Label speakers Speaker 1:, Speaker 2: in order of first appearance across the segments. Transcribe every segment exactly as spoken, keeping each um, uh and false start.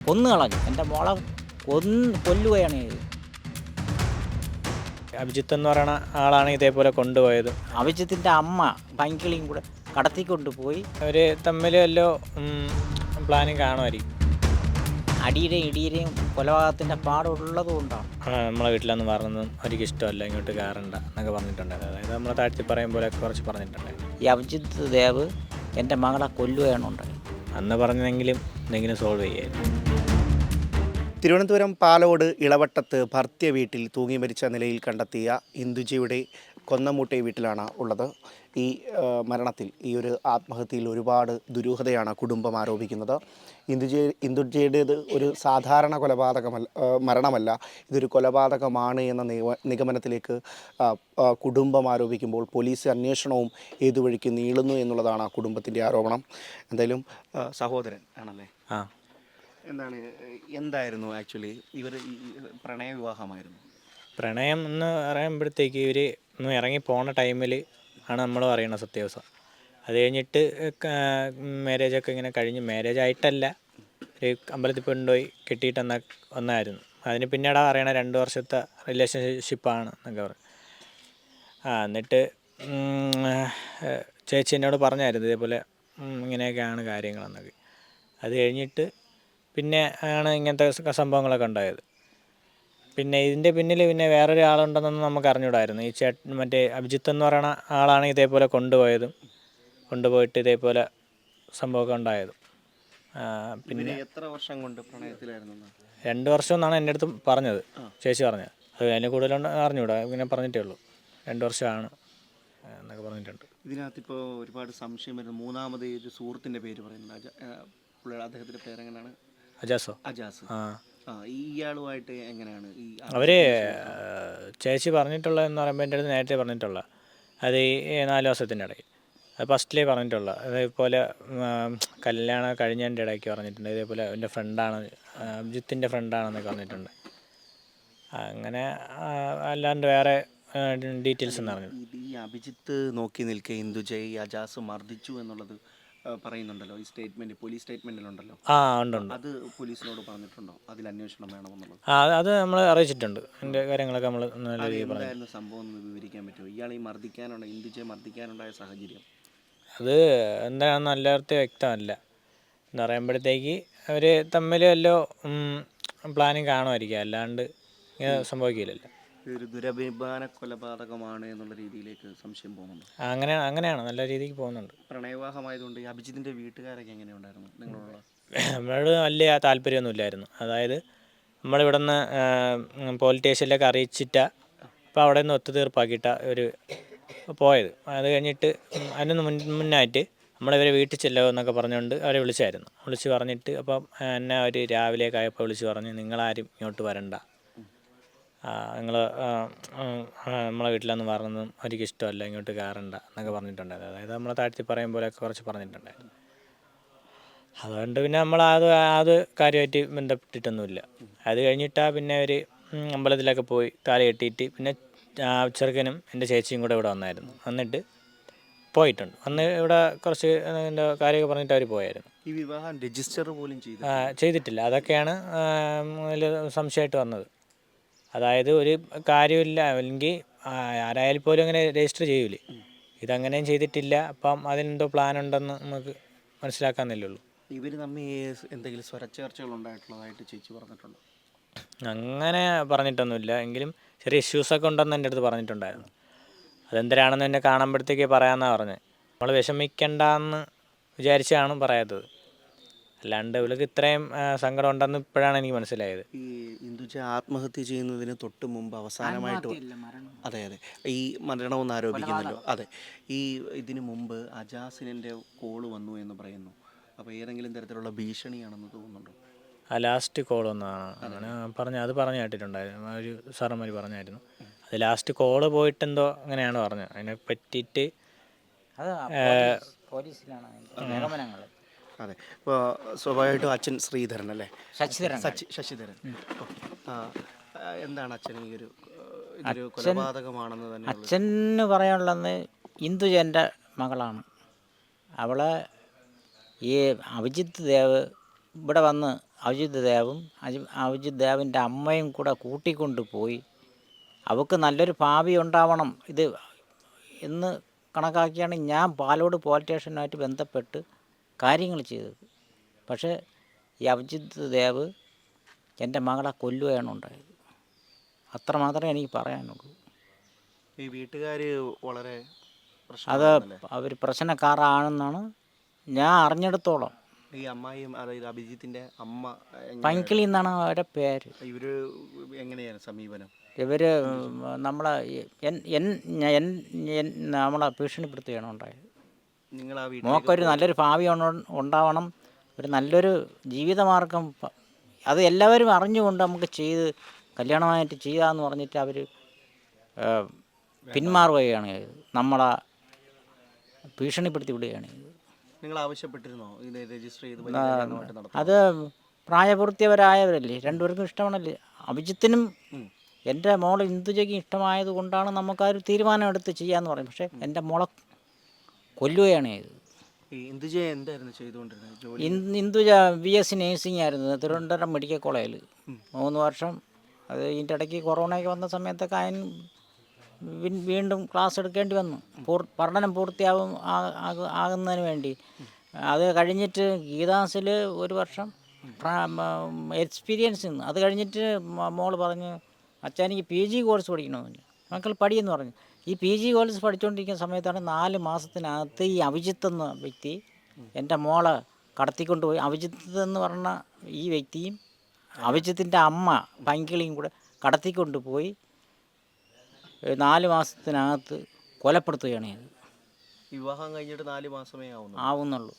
Speaker 1: കൊന്നു കളഞ്ഞു. എൻ്റെ മോളെ കൊന്ന് കൊല്ലുകയാണ് ചെയ്തത്.
Speaker 2: അഭിജിത്ത് എന്ന് പറയുന്ന ആളാണ് ഇതേപോലെ കൊണ്ടുപോയത്.
Speaker 1: അഭിജിത്തിൻ്റെ അമ്മ പൈങ്കിളിയും കൂടെ കടത്തിക്കൊണ്ടുപോയി.
Speaker 2: അവർ തമ്മിൽ വല്ലോ പ്ലാനിങ് കാണുമായിരിക്കും.
Speaker 1: അടിയുടെയും ഇടിയുടെയും കൊലപാതകത്തിൻ്റെ പാടുള്ളത് കൊണ്ടാണ്.
Speaker 2: നമ്മളെ വീട്ടിലൊന്നും പറഞ്ഞതും അവർക്ക് ഇഷ്ടമല്ല, ഇങ്ങോട്ട് കയറണ്ട എന്നൊക്കെ പറഞ്ഞിട്ടുണ്ടായിരുന്നു. അതായത് നമ്മളെ താഴ്ത്തി പറയും പോലെ കുറച്ച് പറഞ്ഞിട്ടുണ്ടായിരുന്നു.
Speaker 1: ഈ അഭിജിത്ത് ദേവ് എൻ്റെ മകളെ കൊല്ലുകയാണ് ഉണ്ടായത്.
Speaker 2: അന്ന് പറഞ്ഞതെങ്കിലും എന്തെങ്കിലും സോൾവ് ചെയ്യായിരുന്നു.
Speaker 3: തിരുവനന്തപുരം പാലോട് ഇളവട്ടത്ത് ഭർത്തൃ വീട്ടിൽ തൂങ്ങി മരിച്ച നിലയിൽ കണ്ടെത്തിയ ഇന്ദുജയുടെ കൊന്നമൂട്ടെ വീട്ടിലാണ് ഉള്ളത്. ഈ മരണത്തിൽ, ഈ ഒരു ആത്മഹത്യയിൽ ഒരുപാട് ദുരൂഹതയാണ് കുടുംബം ആരോപിക്കുന്നത്. ഇന്ദുജ ഇന്ദുജയുടേത് ഒരു സാധാരണ കൊലപാതകമല്ല, മരണമല്ല, ഇതൊരു കൊലപാതകമാണ് എന്ന നിഗമനത്തിലേക്ക് കുടുംബം ആരോപിക്കുമ്പോൾ പോലീസ് അന്വേഷണവും ഏതുവഴിക്ക് നീളുന്നു എന്നുള്ളതാണ് ആ കുടുംബത്തിൻ്റെ ആരോപണം. എന്തായാലും സഹോദരൻ ആണല്ലേ?
Speaker 2: ആ.
Speaker 3: എന്താണ് എന്തായിരുന്നു ആക്ച്വലി ഇവർ പ്രണയ വിവാഹമായിരുന്നു?
Speaker 2: പ്രണയം എന്ന് പറയുമ്പോഴത്തേക്ക് ഇവർ ഒന്ന് ഇറങ്ങി പോണ ടൈമിൽ ആണ് നമ്മൾ പറയുന്നത് സത്യാവസ്ഥ. അത് കഴിഞ്ഞിട്ട് മാരേജൊക്കെ ഇങ്ങനെ കഴിഞ്ഞ്, മാരേജ് ആയിട്ടല്ല, ഒരു അമ്പലത്തിൽ കൊണ്ടുപോയി കെട്ടിയിട്ട് വന്ന വന്നായിരുന്നു. അതിന് പിന്നീട് പറയണ രണ്ട് വർഷത്തെ റിലേഷൻഷിപ്പാണ് എന്നൊക്കെ പറയും. ആ എന്നിട്ട് ചേച്ചി എന്നോട് പറഞ്ഞായിരുന്നു ഇതേപോലെ ഇങ്ങനെയൊക്കെയാണ് കാര്യങ്ങളെന്നൊക്കെ. അത് കഴിഞ്ഞിട്ട് പിന്നെ ആണ് ഇങ്ങനത്തെ സംഭവങ്ങളൊക്കെ ഉണ്ടായത്. പിന്നെ ഇതിൻ്റെ പിന്നിൽ പിന്നെ വേറൊരു ആളുണ്ടെന്നൊന്നും നമുക്ക് അറിഞ്ഞൂടായിരുന്നു. ഈ ചേട്ടൻ മറ്റേ അഭിജിത്ത് എന്ന് പറയുന്ന ആളാണ് ഇതേപോലെ കൊണ്ടുപോയതും കൊണ്ടുപോയിട്ട് ഇതേപോലെ സംഭവമൊക്കെ ഉണ്ടായതും.
Speaker 3: പിന്നെ എത്ര വർഷം കൊണ്ട് പ്രണയത്തിലായിരുന്നു?
Speaker 2: രണ്ട് വർഷം എന്നാണ് എൻ്റെ അടുത്ത് പറഞ്ഞത്, ചേച്ചി പറഞ്ഞത്. അത് അതിന് കൂടുതലുണ്ട് അറിഞ്ഞൂടാ, ഇങ്ങനെ പറഞ്ഞിട്ടേ ഉള്ളൂ. രണ്ട് വർഷമാണ് എന്നൊക്കെ പറഞ്ഞിട്ടുണ്ട്.
Speaker 3: ഇതിനകത്തിപ്പോൾ ഒരുപാട് സംശയം വരുന്നു. മൂന്നാമത് ഒരു സുഹൃത്തിൻ്റെ പേര് പറയുന്നത്, അദ്ദേഹത്തിൻ്റെ പേരെങ്ങനെയാണ്?
Speaker 2: അജാസോ?
Speaker 3: അജാസ്. ആ, ഇയാളുമായിട്ട് എങ്ങനെയാണ് ഈ
Speaker 2: അവർ ചേച്ചി പറഞ്ഞിട്ടുള്ളതെന്ന് പറയുമ്പോൾ എൻ്റെ അടുത്ത് നേരത്തെ പറഞ്ഞിട്ടുള്ള അത് ഈ നാല് ദിവസത്തിൻ്റെ ഇടയ്ക്ക്, അത് ഫസ്റ്റിലേ പറഞ്ഞിട്ടുള്ള അതേപോലെ കല്യാണം കഴിഞ്ഞതിൻ്റെ ഇടയ്ക്ക് പറഞ്ഞിട്ടുണ്ട്. ഇതേപോലെ എൻ്റെ ഫ്രണ്ടാണ്, അഭിജിത്തിൻ്റെ ഫ്രണ്ടാണെന്നൊക്കെ പറഞ്ഞിട്ടുണ്ട്. അങ്ങനെ അല്ലാണ്ട് വേറെ ഡീറ്റെയിൽസ് എന്ന് പറഞ്ഞു.
Speaker 3: ഈ അഭിജിത്ത് നോക്കി നിൽക്കെ ഇന്ദുജയെ ഈ അജാസ് മർദ്ദിച്ചു എന്നുള്ളത് പറയുന്നുണ്ടല്ലോ, ഈ സ്റ്റേറ്റ്മെന്റ്, പോലീസ് സ്റ്റേറ്റ്മെന്റിലുണ്ടല്ലോ.
Speaker 2: ആ ഉണ്ട് ഉണ്ട്.
Speaker 3: അത് പോലീസിനോട് പറഞ്ഞിട്ടുണ്ടോ അതിൽ അന്വേഷണം വേണമെന്നുള്ളത്?
Speaker 2: ആ അത് നമ്മൾ അറിയിച്ചിട്ടുണ്ട്. അതിൻ്റെ കാര്യങ്ങളൊക്കെ നമ്മൾ നല്ല രീതിയിൽ പറഞ്ഞു.
Speaker 3: എന്തായിരുന്നു സംഭവം എന്ന് വിവരിക്കാൻ പറ്റുമോ? ഇയാൾ ഈ മർദ്ദിക്കാനുണ്ട ഇന്ദുജയെ മർദ്ദിക്കാനുണ്ടായ സാഹചര്യം
Speaker 2: അത് എന്താണെന്ന് എല്ലാവർക്കും വ്യക്തമല്ല. എന്ന് പറയുമ്പോഴത്തേക്ക് അവർ തമ്മിൽ വല്ലോ പ്ലാനിങ് കാണുമായിരിക്കും, അല്ലാണ്ട് ഇങ്ങനെ സംഭവിക്കില്ലല്ലോ.
Speaker 3: ഒരു ദുരഭിമാന കൊലപാതകമാണ് എന്നുള്ള രീതിയിലേക്ക് സംശയം പോകുന്നുണ്ട്.
Speaker 2: അങ്ങനെ അങ്ങനെയാണ്, നല്ല രീതിക്ക് പോകുന്നുണ്ട്.
Speaker 3: പ്രണയവിവാഹമായതുകൊണ്ട് ഈ അഭിജിത്തിൻ്റെ വീട്ടുകാരൊക്കെ എങ്ങനെയുണ്ടായിരുന്നു നിങ്ങളോട്?
Speaker 2: നമ്മളോട് വലിയ താല്പര്യമൊന്നും ഇല്ലായിരുന്നു. അതായത് നമ്മളിവിടെ നിന്ന് പോലീസ് സ്റ്റേഷനിലൊക്കെ അറിയിച്ചിട്ടാ അപ്പോൾ അവിടെ നിന്ന് ഒത്തുതീർപ്പാക്കിയിട്ടാണ് ഒരു പോയത്. അത് കഴിഞ്ഞിട്ട് അതിനൊന്ന് മുൻ മുന്നായിട്ട് നമ്മളിവരെ വീട്ടിൽ ചെല്ലുമെന്നൊക്കെ പറഞ്ഞുകൊണ്ട് അവരെ വിളിച്ചായിരുന്നു. വിളിച്ച് പറഞ്ഞിട്ട് അപ്പം എന്നെ അവർ രാവിലെയൊക്കെ ആയപ്പോൾ വിളിച്ച് പറഞ്ഞ് നിങ്ങളാരും ഇങ്ങോട്ട് വരണ്ട, നിങ്ങൾ നമ്മളെ വീട്ടിലൊന്നും പറഞ്ഞതും അവർക്ക് ഇഷ്ടമല്ല, ഇങ്ങോട്ട് കയറണ്ട എന്നൊക്കെ പറഞ്ഞിട്ടുണ്ടായിരുന്നു. അതായത് നമ്മളെ താഴ്ത്തി പറയും പോലെയൊക്കെ കുറച്ച് പറഞ്ഞിട്ടുണ്ടായിരുന്നു. അതുകൊണ്ട് പിന്നെ നമ്മൾ അത് അത് കാര്യമായിട്ട് ബന്ധപ്പെട്ടിട്ടൊന്നുമില്ല. അത് കഴിഞ്ഞിട്ടാണ് പിന്നെ അവർ അമ്പലത്തിലൊക്കെ പോയി താലി കെട്ടിയിട്ട് പിന്നെ ചെറുക്കനും എൻ്റെ ചേച്ചിയും കൂടെ ഇവിടെ വന്നായിരുന്നു. വന്നിട്ട് പോയിട്ടുണ്ട്. അന്ന് ഇവിടെ കുറച്ച് എൻ്റെ കാര്യമൊക്കെ പറഞ്ഞിട്ട് അവർ പോയായിരുന്നു.
Speaker 3: ഈ വിവാഹം രജിസ്റ്റർ പോലും
Speaker 2: ചെയ്തിട്ടില്ല. അതൊക്കെയാണ് അതിൽ സംശയമായിട്ട് വന്നത്. അതായത് ഒരു കാര്യമില്ല, അല്ലെങ്കിൽ ആരായാലും പോലും അങ്ങനെ രജിസ്റ്റർ ചെയ്യൂലേ, ഇതങ്ങനെയും ചെയ്തിട്ടില്ല. അപ്പം അതിനെന്തോ പ്ലാൻ ഉണ്ടെന്ന് നമുക്ക് മനസ്സിലാക്കാമെന്നല്ലേ ഉള്ളൂ.
Speaker 3: ഇവർ തമ്മിൽ എന്തെങ്കിലും സ്വരച്ചേർച്ചകൾ ഉണ്ടായിട്ടുള്ളതായിട്ട് ചേച്ചി പറഞ്ഞിട്ടുണ്ടോ?
Speaker 2: അങ്ങനെ പറഞ്ഞിട്ടൊന്നുമില്ല, എങ്കിലും ചെറിയ ഇഷ്യൂസൊക്കെ ഉണ്ടെന്ന് എൻ്റെ അടുത്ത് പറഞ്ഞിട്ടുണ്ടായിരുന്നു. അതെന്തരാണെന്ന് എന്നെ കാണുമ്പോഴത്തേക്ക് പറയാമെന്നാണ് പറഞ്ഞത്. നമ്മൾ വിഷമിക്കണ്ടെന്ന് വിചാരിച്ചാണ് പറയാത്തത്, അല്ലാണ്ട് ഇവൾക്ക് ഇത്രയും സങ്കടം ഉണ്ടെന്ന് ഇപ്പോഴാണ് എനിക്ക് മനസ്സിലായത്.
Speaker 3: ഈ ഇന്ദുജ ആത്മഹത്യ ചെയ്യുന്നതിന് തൊട്ട് മുമ്പ് അവസാനമായിട്ട്, അതെ അതെ ഈ മരണമെന്ന് ആരോപിക്കുന്നല്ലോ, അതെ ഈ ഇതിനു മുമ്പ് അജാസിനെ കോള് വന്നു എന്ന് പറയുന്നു. അപ്പോൾ ഏതെങ്കിലും തരത്തിലുള്ള ഭീഷണിയാണെന്ന് തോന്നുന്നുണ്ടോ?
Speaker 2: ആ ലാസ്റ്റ് കോളൊന്നാണ് അങ്ങനെ പറഞ്ഞ അത് പറഞ്ഞു കേട്ടിട്ടുണ്ടായിരുന്നു. ഒരു സാറന്മാർ പറഞ്ഞായിരുന്നു അത് ലാസ്റ്റ് കോള് പോയിട്ടെന്തോ അങ്ങനെയാണ് പറഞ്ഞത്. അതിനെ പറ്റിയിട്ട്
Speaker 1: പോലീസിലാണ് നിഗമനങ്ങൾ.
Speaker 3: അതെ, ഇപ്പോൾ സ്വാഭാവികമായിട്ടും അച്ഛൻ ശ്രീധരൻ അല്ലേ?
Speaker 1: ശശിധരൻ.
Speaker 3: ശശിധരൻ എന്താണ് അച്ഛൻ ഈ ഒരു ഇതൊരു കൊലപാതകമാണെന്ന് തന്നെ
Speaker 1: അച്ഛന് പറയാനുള്ളത്? ഇന്ദുജൻ്റെ മകളാണ് അവളെ. ഈ അഭിജിത്ത് ദേവ് ഇവിടെ വന്ന് അഭിജിത്ത് ദേവും അജി അഭിജിത്ത് ദേവിൻ്റെ അമ്മയും കൂടെ കൂട്ടിക്കൊണ്ട് പോയി അവൾക്ക് നല്ലൊരു ഭാവി ഉണ്ടാവണം ഇത് എന്ന് കണക്കാക്കിയാണ് ഞാൻ പാലോട് പോലീസ് സ്റ്റേഷനുമായിട്ട് ബന്ധപ്പെട്ട് കാര്യങ്ങൾ ചെയ്തത്. പക്ഷേ ഈ അഭിജിത്ത് ദേവ് എൻ്റെ മകളെ കൊല്ലുകയാണ് ഉണ്ടായത്. അത്ര മാത്രമേ എനിക്ക് പറയാനുള്ളൂ.
Speaker 3: ഈ വീട്ടുകാർ വളരെ
Speaker 1: അത് അവർ പ്രശ്നക്കാരാണെന്നാണ് ഞാൻ അറിഞ്ഞെടുത്തോളം.
Speaker 3: ഈ അമ്മായിയും അതായത് അഭിജിത്തിൻ്റെ അമ്മ
Speaker 1: പൈങ്കിളി എന്നാണ് അവരുടെ പേര്.
Speaker 3: ഇവർ എങ്ങനെയാണ് സമീപനം?
Speaker 1: ഇവർ നമ്മളെ എൻ- എൻ- എൻ- എൻ- നമ്മളെ ഭീഷണിപ്പെടുത്തുകയാണ് ഉണ്ടായത്.
Speaker 3: നിങ്ങൾ ആ വീട്ടിൽ
Speaker 1: മോക്കൊരു നല്ലൊരു ഭാവി ഉണ്ട- ഉണ്ടാവണം, ഒരു നല്ലൊരു ജീവിതമാർഗം പ- അത് എല്ലാവരും അറിഞ്ഞുകൊണ്ട് നമുക്ക് ചെയ്ത് കല്യാണമായിട്ട് ചെയ്യാമെന്ന് പറഞ്ഞിട്ട് അവർ പിന്മാറുകയാണ് ചെയ്തത്. നമ്മളെ ഭീഷണിപ്പെടുത്തി വിടുകയാണ് ചെയ്തത്.
Speaker 3: നിങ്ങൾ ആവശ്യപ്പെട്ടിരുന്നോ ഇത് രജിസ്റ്റർ ചെയ്ത് പരിചരണമായിട്ട് നടത്താൻ?
Speaker 1: അത് പ്രായപൂർത്തിയവരായവരല്ലേ, രണ്ടുപേർക്കും ഇഷ്ടമാണല്ലേ. അഭിജിത്തിനും എൻ്റെ മോളെ ഇന്ദുജയ്ക്കും ഇഷ്ടമായത് കൊണ്ടാണ് നമുക്ക് ആ ഒരു തീരുമാനം എടുത്ത് ചെയ്യാമെന്ന് പറയും. പക്ഷേ എൻ്റെ മോളെ കൊല്ലുകയാണ് ചെയ്തത്.
Speaker 3: ഈ ഇന്ദുജ എന്തായിരുന്നു ചെയ്തുകൊണ്ടിരുന്നത് ജോലി?
Speaker 1: ഇൻ- Induja B S C nursing ആയിരുന്നു തിരുവനന്തപുരം മെഡിക്കൽ കോളേജിൽ മൂന്ന് വർഷം. അത് ഇതിൻ്റെ ഇടയ്ക്ക് കൊറോണയൊക്കെ വന്ന സമയത്തൊക്കെ അതിന് വീ- വീണ്ടും ക്ലാസ് എടുക്കേണ്ടി വന്നു. പൂർ പഠനം പൂർത്തിയാവും ആ- ആകു- ആകുന്നതിന് വേണ്ടി. അത് കഴിഞ്ഞിട്ട് ഗീതാസിൽ ഒരു വർഷം എക്സ്പീരിയൻസ് നിന്ന് അത് കഴിഞ്ഞിട്ട് മ- മോള് പറഞ്ഞു, അച്ഛാ എനിക്ക് പി ജി കോഴ്സ് പഠിക്കണമെന്ന് പറഞ്ഞു. മക്കൾ പഠിയെന്ന് പറഞ്ഞു. ഈ പി ജി കോഴ്സ് പഠിച്ചുകൊണ്ടിരിക്കുന്ന സമയത്താണ് നാല് മാസത്തിനകത്ത് ഈ അഭിജിത്ത് എന്ന വ്യക്തി എൻ്റെ മോളെ കടത്തിക്കൊണ്ടുപോയി. അഭിജിത്ത് എന്ന് പറഞ്ഞ ഈ വ്യക്തിയും അഭിജിത്തിൻ്റെ അമ്മ പൈങ്കിളിയും കൂടെ കടത്തിക്കൊണ്ടുപോയി നാല് മാസത്തിനകത്ത് കൊലപ്പെടുത്തുകയാണ് ചെയ്തത്.
Speaker 3: വിവാഹം കഴിഞ്ഞിട്ട് നാല് മാസമേ ആവുന്നു
Speaker 1: ആവുന്നുള്ളൂ.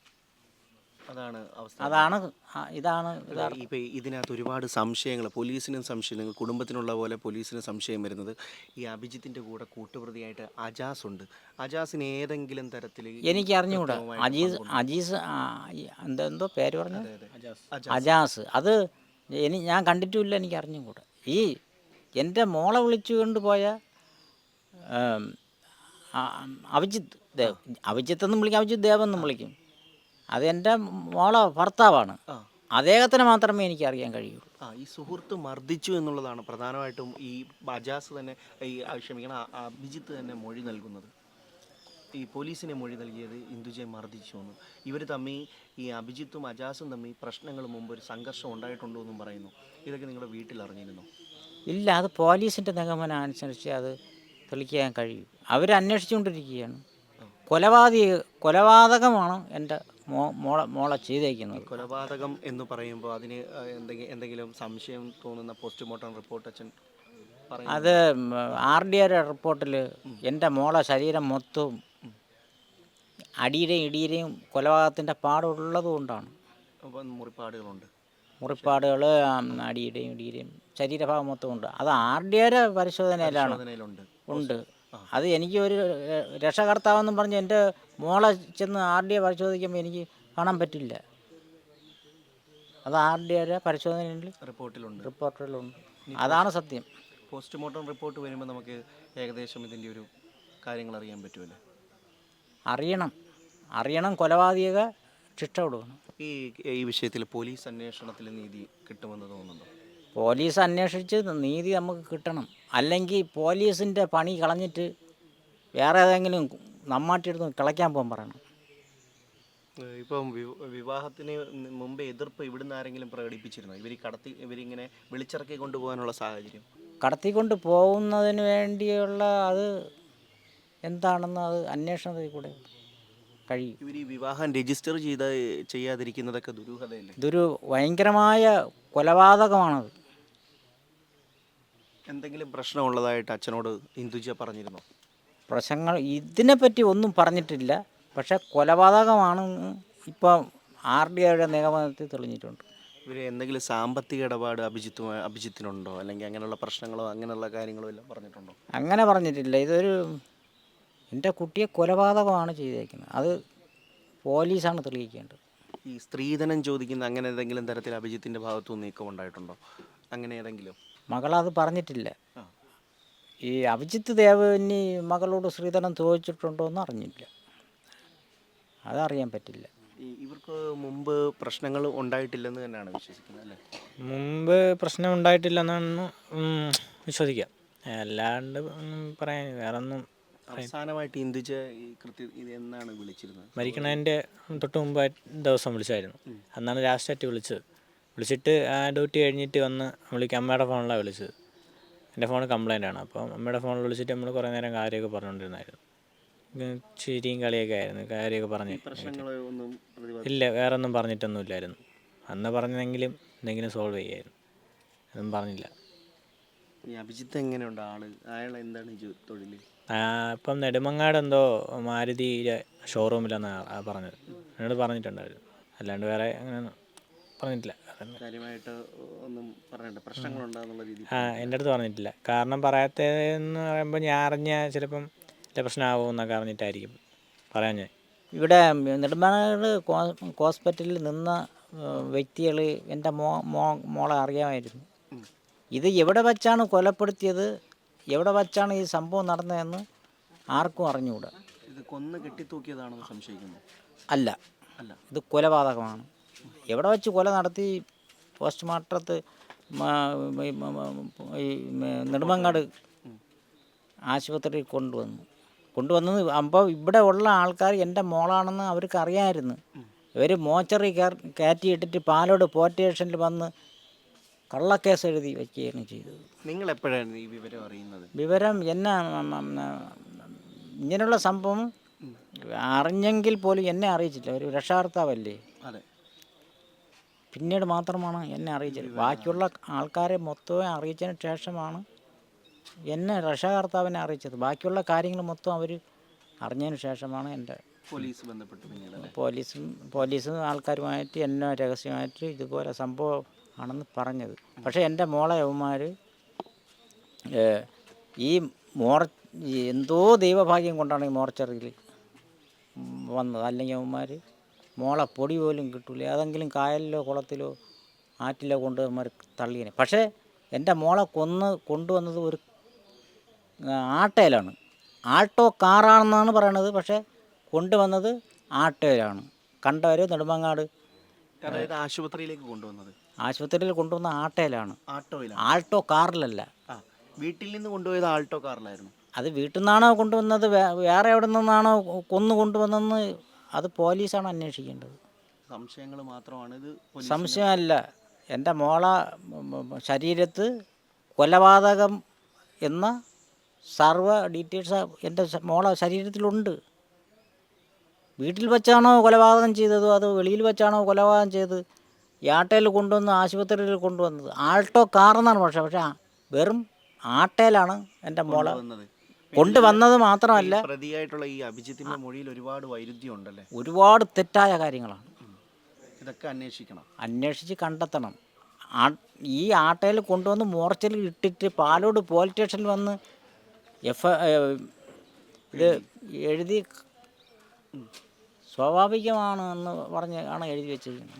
Speaker 3: അതാണ് അവസ്ഥ.
Speaker 1: അതാണ് ആ- ഇതാണ് ഇതാ
Speaker 3: ഇപ്പം ഇതിനകത്ത് ഒരുപാട് സംശയങ്ങൾ, പോലീസിനും സംശയം, നിങ്ങൾ കുടുംബത്തിനുള്ള പോലെ പോലീസിന് സംശയം വരുന്നത് ഈ അഭിജിത്തിൻ്റെ കൂടെ കൂട്ടുപ്രതിയായിട്ട് അജാസ് ഉണ്ട്. അജാസിന് ഏതെങ്കിലും തരത്തിൽ
Speaker 1: എനിക്ക് അറിഞ്ഞുകൂടാ. അജീസ് അജീസ് ആ, ഈ എന്താ എന്തോ പേര് പറഞ്ഞു, അജാസ്. അത് എനി ഞാൻ കണ്ടിട്ടുമില്ല, എനിക്ക് അറിഞ്ഞുകൂടാ. ഈ എൻ്റെ മോളെ വിളിച്ചു കൊണ്ടുപോയ ആം, ആ, അഭിജിത്ത് ദേവ്, അഭിജിത്ത് എന്നും വിളിക്കും, അഭിജിത്ത് ദേവ് എന്നും വിളിക്കും. അത് എൻ്റെ മോളെ ഭർത്താവാണ്. അദ്ദേഹത്തിന് മാത്രമേ എനിക്ക് അറിയാൻ കഴിയുള്ളൂ.
Speaker 3: ആ ഈ സുഹൃത്ത് മർദ്ദിച്ചു എന്നുള്ളതാണ് പ്രധാനമായിട്ടും ഈ അജാസ് തന്നെ ഈ ആ, ക്ഷമിക്കണം ആ, അഭിജിത്ത് തന്നെ മൊഴി നൽകുന്നത്. ഈ പോലീസിനെ മൊഴി നൽകിയത് ഇന്ദുജയെ മർദ്ദിച്ചു എന്ന്. ഇവർ തമ്മിൽ ഈ അഭിജിത്തും അജാസും തമ്മിൽ പ്രശ്നങ്ങൾ മുമ്പ് ഒരു സംഘർഷം ഉണ്ടായിട്ടുണ്ടോ എന്നും പറയുന്നു. ഇതൊക്കെ നിങ്ങളുടെ വീട്ടിൽ അറിഞ്ഞിരുന്നു?
Speaker 1: ഇല്ല, അത് പോലീസിൻ്റെ നിഗമനം അനുസരിച്ച് അത് തെളിയിക്കാൻ കഴിയും. അവർ അന്വേഷിച്ചുകൊണ്ടിരിക്കുകയാണ്. കൊലപാതക കൊലപാതകമാണ് എൻ്റെ മോ മോളെ മോളെ ചെയ്തേക്കുന്നത്.
Speaker 3: കൊലപാതകം എന്ന് പറയുമ്പോൾ അതിന് എന്തെങ്കിലും എന്തെങ്കിലും സംശയം തോന്നുന്ന പോസ്റ്റ്മോർട്ടം റിപ്പോർട്ട് അച്ഛൻ പറയും?
Speaker 1: അത് ആർ ഡി ആർ റിപ്പോർട്ടിൽ എൻ്റെ മോളെ ശരീരം മൊത്തവും അടിയുടെയും ഇടിയുടെയും കൊലപാതകത്തിൻ്റെ പാടുള്ളത് കൊണ്ടാണ്.
Speaker 3: അപ്പം മുറിപ്പാടുകളുണ്ട്,
Speaker 1: മുറിപ്പാടുകൾ അടിയുടെയും ഇടിയുടെയും ശരീരഭാഗം മൊത്തം ഉണ്ട്. അത് ആർ ഡി ആർ പരിശോധനയിലാണ്
Speaker 3: അതിലുണ്ട്.
Speaker 1: ഉണ്ട്. അത് എനിക്ക് ഒരു രക്ഷകർത്താവെന്നും പറഞ്ഞ് എൻ്റെ മോളെ ചെന്ന് ആർ ഡി എ പരിശോധിക്കുമ്പോൾ എനിക്ക് കാണാൻ പറ്റില്ല. അത് ആർ ഡി ആർ പരിശോധനയിൽ
Speaker 3: റിപ്പോർട്ടിലുണ്ട്,
Speaker 1: റിപ്പോർട്ടിലുണ്ട്. അതാണ് സത്യം.
Speaker 3: പോസ്റ്റ്മോർട്ടം റിപ്പോർട്ട് വരുമ്പോൾ നമുക്ക് ഏകദേശം ഇതിൻ്റെ ഒരു കാര്യങ്ങൾ അറിയാൻ പറ്റുമല്ലോ.
Speaker 1: അറിയണം അറിയണം കൊലപാതക ശിക്ഷ കൊടുക്കണം.
Speaker 3: ഈ ഈ വിഷയത്തിൽ പോലീസ് അന്വേഷണത്തിൽ നീതി കിട്ടുമെന്ന് തോന്നുന്നുണ്ടോ?
Speaker 1: പോലീസ് അന്വേഷിച്ച് നീതി നമുക്ക് കിട്ടണം. അല്ലെങ്കിൽ പോലീസിൻ്റെ പണി കളഞ്ഞിട്ട് വേറെ ഏതെങ്കിലും നമ്മാട്ടിയെടുത്ത് കിളയ്ക്കാൻ പോകാൻ പറയണം.
Speaker 3: ഇപ്പം വിവാഹത്തിന് മുമ്പ് എതിർപ്പ് ഇവിടുന്ന് ആരെങ്കിലും പ്രകടിപ്പിച്ചിരുന്നോ? ഇവർ കടത്തി ഇവരിങ്ങനെ വിളിച്ചിറക്കി കൊണ്ടുപോകാനുള്ള സാഹചര്യം?
Speaker 1: കടത്തിക്കൊണ്ട് പോകുന്നതിന് വേണ്ടിയുള്ള അത് എന്താണെന്ന് അത് അന്വേഷണത്തിൽ കൂടെ കഴിയും.
Speaker 3: ഇവർ ഈ വിവാഹം രജിസ്റ്റർ ചെയ്ത ചെയ്യാതിരിക്കുന്നതൊക്കെ ദുരൂഹതയല്ലേ?
Speaker 1: ഇതൊരു ഭയങ്കരമായ കൊലപാതകമാണത്.
Speaker 3: എന്തെങ്കിലും പ്രശ്നമുള്ളതായിട്ട് അച്ഛനോട് ഇന്ദുജ പറഞ്ഞിരുന്നോ?
Speaker 1: പ്രശ്നങ്ങൾ ഇതിനെപ്പറ്റി ഒന്നും പറഞ്ഞിട്ടില്ല. പക്ഷേ കൊലപാതകമാണെന്ന് ഇപ്പോൾ ആർ ഡി ഐയുടെ നിഗമനത്തിൽ തെളിഞ്ഞിട്ടുണ്ട്.
Speaker 3: ഇവർ എന്തെങ്കിലും സാമ്പത്തിക ഇടപാട് അഭിജിത്ത് അഭിജിത്തിനുണ്ടോ, അല്ലെങ്കിൽ അങ്ങനെയുള്ള പ്രശ്നങ്ങളോ അങ്ങനെയുള്ള കാര്യങ്ങളോ എല്ലാം പറഞ്ഞിട്ടുണ്ടോ?
Speaker 1: അങ്ങനെ പറഞ്ഞിട്ടില്ല. ഇതൊരു എൻ്റെ കുട്ടിയെ കൊലപാതകമാണ് ചെയ്തേക്കുന്നത്. അത് പോലീസാണ് തെളിയിക്കേണ്ടത്.
Speaker 3: ഈ സ്ത്രീധനം ചോദിക്കുന്ന അങ്ങനെ ഏതെങ്കിലും തരത്തിൽ അഭിജിത്തിൻ്റെ ഭാഗത്തുനിന്ന് നീക്കം ഉണ്ടായിട്ടുണ്ടോ? അങ്ങനെ ഏതെങ്കിലും?
Speaker 1: മകളത് പറഞ്ഞിട്ടില്ല. ഈ അഭിജിത്ത് ദേവന് മകളോട് സ്ത്രീധനം ചോദിച്ചിട്ടുണ്ടോ എന്ന് അറിഞ്ഞില്ല. അതറിയാൻ പറ്റില്ല.
Speaker 3: ഈ ഈ- ഇവർക്ക് മുമ്പ് പ്രശ്നങ്ങൾ ഉണ്ടായിട്ടില്ലെന്ന് തന്നെയാണ് വിശ്വസിക്കുന്നത് അല്ലേ?
Speaker 2: മുമ്പ് പ്രശ്നം ഉണ്ടായിട്ടില്ലെന്നാണ് ഉം, വിശ്വസിക്കാം. അല്ലാണ്ട് ഒന്നും പറയാൻ വേറൊന്നും പറയാൻ.
Speaker 3: അവസാനമായിട്ട് ഇന്ദുജ ഈ കൃത്യ ഇത് എന്നാണ് വിളിച്ചിരുന്നത്?
Speaker 2: മരിക്കണതിൻ്റെ തൊട്ട് മുമ്പ് ദിവസം വിളിച്ചായിരുന്നു. അന്നാണ് ലാസ്റ്റായിട്ട് വിളിച്ചത്. വിളിച്ചിട്ട് ആ ഡ്യൂട്ടി കഴിഞ്ഞിട്ട് വന്ന് വിളിക്കുക. അമ്മയുടെ ഫോണിലാണ് വിളിച്ചത്. എൻ്റെ ഫോൺ കംപ്ലൈൻ്റ് ആണ്. അപ്പോൾ അമ്മയുടെ ഫോണിൽ വിളിച്ചിട്ട് നമ്മൾ കുറേ നേരം കാര്യമൊക്കെ പറഞ്ഞുകൊണ്ടിരുന്നായിരുന്നു. ഉം, ചിരിയും കളിയൊക്കെ ആയിരുന്നു. കാര്യമൊക്കെ പറഞ്ഞ്
Speaker 3: പ്രശ്നങ്ങൾ ഒന്നും പ്രതിപാദിച്ചില്ല.
Speaker 2: ഇല്ല, വേറെ ഒന്നും പറഞ്ഞിട്ടൊന്നുമില്ലായിരുന്നു. അന്ന് പറഞ്ഞതെങ്കിലും എന്തെങ്കിലും സോൾവ് ചെയ്യായിരുന്നു. അതൊന്നും പറഞ്ഞില്ല.
Speaker 3: ഈ അഭിജിത്ത് എങ്ങനെയുണ്ട് ആള്? അയാൾ എന്താണ് ജോ- തൊഴിൽ?
Speaker 2: ആ, ഇപ്പം നെടുമങ്ങാട് എന്തോ മാരുതിയുടെ ഷോറൂമിലെന്നാണ് പറഞ്ഞത്. എന്നോട് പറഞ്ഞിട്ടുണ്ടായിരുന്നു. അല്ലാണ്ട് വേറെ അങ്ങനെ പറഞ്ഞിട്ടില്ല. വേറെ
Speaker 3: കാര്യമായിട്ട് ഒന്നും പറയണ്ട, പ്രശ്നങ്ങളുണ്ടാകുന്നുള്ള രീതി.
Speaker 2: ആ, എൻ്റെ അടുത്ത് പറഞ്ഞിട്ടില്ല. കാരണം പറയാത്തതെന്ന് പറയുമ്പോൾ ഞാൻ അറിഞ്ഞാൽ ചിലപ്പം വലിയ പ്രശ്നമാകും എന്നൊക്കെ അറിഞ്ഞിട്ടായിരിക്കും പറയാൻ ഞാൻ.
Speaker 1: ഇവിടെ നെടുമങ്ങാട് ഹോസ്പിറ്റലിൽ നിന്ന വ്യക്തികൾ എൻ്റെ മോ മോ മോളെ അറിയാമായിരുന്നു. ഇത് എവിടെ വച്ചാണ് കൊലപ്പെടുത്തിയത്, എവിടെ വച്ചാണ് ഈ സംഭവം നടന്നതെന്ന് ആർക്കും അറിഞ്ഞുകൂടാ.
Speaker 3: ഇത് കൊന്ന് കെട്ടിത്തൂക്കിയതാണെന്ന് സംശയിക്കുന്നു.
Speaker 1: അല്ല,
Speaker 3: അല്ല,
Speaker 1: ഇത് കൊലപാതകമാണ്. എവിടെ വെച്ച് കൊല നടത്തി പോസ്റ്റ്മോർട്ടത്ത് ഈ നെടുമങ്ങാട് ആശുപത്രിയിൽ കൊണ്ടുവന്നു കൊണ്ടുവന്നത് അപ്പോൾ ഇവിടെ ഉള്ള ആൾക്കാർ എൻ്റെ മോളാണെന്ന് അവർക്ക് അറിയാമായിരുന്നു. ഇവർ മോച്ചറി കയറ്റിയിട്ടിട്ട് പാലോട് പോലീസ് സ്റ്റേഷനിൽ വന്ന് കള്ളക്കേസ് എഴുതി വയ്ക്കുകയാണ് ചെയ്തത്.
Speaker 3: നിങ്ങൾ എപ്പോഴാണ് ഈ വിവരം അറിയുന്നത്?
Speaker 1: വിവരം എന്നെ ഇങ്ങനെയുള്ള സംഭവം അറിഞ്ഞെങ്കിൽ പോലും എന്നെ അറിയിച്ചില്ല. ഒരു രക്ഷാകർത്താവല്ലേ,
Speaker 3: അതെ,
Speaker 1: പിന്നീട് മാത്രമാണ് എന്നെ അറിയിച്ചത്. ബാക്കിയുള്ള ആൾക്കാരെ മൊത്തം അറിയിച്ചതിന് ശേഷമാണ് എന്നെ രക്ഷാകർത്താവിനെ അറിയിച്ചത്. ബാക്കിയുള്ള കാര്യങ്ങൾ മൊത്തം അവർ അറിഞ്ഞതിന് ശേഷമാണ് എൻ്റെ
Speaker 3: പോലീസ് ബന്ധപ്പെട്ട് പിന്നീട്
Speaker 1: പോലീസും പോലീസും ആൾക്കാരുമായിട്ട് എന്നെ രഹസ്യമായിട്ട് ഇതുപോലെ സംഭവം ആണെന്ന് പറഞ്ഞത്. പക്ഷേ എൻ്റെ മോളെ യവന്മാർ ഈ മോർ എന്തോ ദൈവഭാഗ്യം കൊണ്ടാണ് ഈ മോർച്ചറിയിൽ വന്നത്. അല്ലെങ്കിൽ അവന്മാർ മോളെ പൊടി പോലും കിട്ടൂല. ഏതെങ്കിലും കായലിലോ കുളത്തിലോ ആറ്റിലോ കൊണ്ട് അവന്മാർ തള്ളിയനെ. പക്ഷേ എൻ്റെ മോളെ കൊന്ന് കൊണ്ടുവന്നത് ഒരു ആട്ടയിലാണ്. ആൾട്ടോ കാറാണെന്നാണ് പറയണത്. പക്ഷേ കൊണ്ടുവന്നത് ആട്ടയിലാണ്. കണ്ടവർ നെടുമങ്ങാട്
Speaker 3: അതായത് ആശുപത്രിയിലേക്ക് കൊണ്ടുവന്നത്
Speaker 1: ആശുപത്രിയിൽ കൊണ്ടുവന്ന ആട്ടയിലാണ്,
Speaker 3: ആട്ടോയിലാണ്.
Speaker 1: ആൾട്ടോ കാറിലല്ല.
Speaker 3: ആ, വീട്ടിൽ നിന്ന് കൊണ്ടുപോയത് ആൾട്ടോ കാറിലായിരുന്നു.
Speaker 1: അത് വീട്ടിൽ നിന്നാണോ കൊണ്ടുവന്നത്, വേറെ എവിടെ നിന്നാണോ കൊന്നു കൊണ്ടുവന്നതെന്ന് അത് പോലീസാണ് അന്വേഷിക്കേണ്ടത്.
Speaker 3: സംശയങ്ങൾ മാത്രമാണ് ഇത്.
Speaker 1: സംശയമല്ല. എൻ്റെ മോള ശരീരത്ത് കൊലപാതകം എന്ന സർവ്വ ഡീറ്റെയിൽസ് എൻ്റെ മോളെ ശരീരത്തിലുണ്ട്. വീട്ടിൽ വെച്ചാണോ കൊലപാതകം ചെയ്തതോ അതോ വെളിയിൽ വെച്ചാണോ കൊലപാതകം ചെയ്തത്? ഈ ആട്ടയിൽ കൊണ്ടുവന്ന് ആശുപത്രിയിൽ കൊണ്ടുവന്നത് ആൾട്ടോ കാറെന്നാണ്. പക്ഷേ പക്ഷേ വെറും ആട്ടയിലാണ് എൻ്റെ മോളെ കൊണ്ടുവന്നത്. മാത്രമല്ല,
Speaker 3: പ്രതിയായിട്ടുള്ള ഈ അഭിജിത്തിന്റെ മൊഴിയിൽ ഒരുപാട് വൈരുദ്ധ്യം ഉണ്ടല്ലേ?
Speaker 1: ഒരുപാട് തെറ്റായ കാര്യങ്ങളാണ്.
Speaker 3: ഇതൊക്കെ അന്വേഷിക്കണം,
Speaker 1: അന്വേഷിച്ച് കണ്ടെത്തണം. ആ ഈ ആട്ടയിൽ കൊണ്ടുവന്ന് മോർച്ചറിൽ ഇട്ടിട്ട് പാലോട് പോലീസ് സ്റ്റേഷനിൽ വന്ന് എഫ് ഇത് എഴുതി സ്വാഭാവികമാണ് എന്ന് പറഞ്ഞ് ആണ് എഴുതി വെച്ചിരിക്കുന്നത്.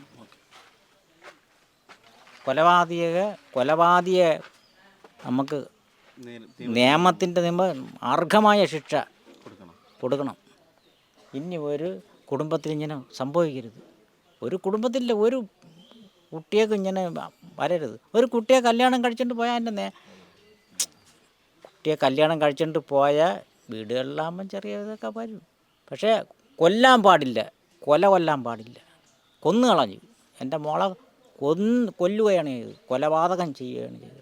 Speaker 1: കൊലപാതക കൊലപാതകയെ നമുക്ക് നിയമത്തിൻ്റെ നിയമ അർഹമായ ശിക്ഷ
Speaker 3: കൊടുക്കണം
Speaker 1: കൊടുക്കണം. ഇനി ഒരു കുടുംബത്തിൽ ഇങ്ങനെ സംഭവിക്കരുത്. ഒരു കുടുംബത്തിൻ്റെ ഒരു കുട്ടിയൊക്കെ ഇങ്ങനെ വരരുത്. ഒരു കുട്ടിയെ കല്യാണം കഴിച്ചിട്ട് പോയാൽ എൻ്റെ നേ കുട്ടിയെ കല്യാണം കഴിച്ചിട്ട് പോയാൽ വീടുകളിലാകുമ്പം ചെറിയ ഇതൊക്കെ വരും. പക്ഷേ കൊല്ലാൻ പാടില്ല, കൊല കൊല്ലാൻ പാടില്ല. കൊന്നു കളഞ്ഞു. എൻ്റെ മോളെ കൊന്ന് കൊല്ലുകയാണ് ചെയ്തത്, കൊലപാതകം ചെയ്യുകയാണ് ചെയ്തത്.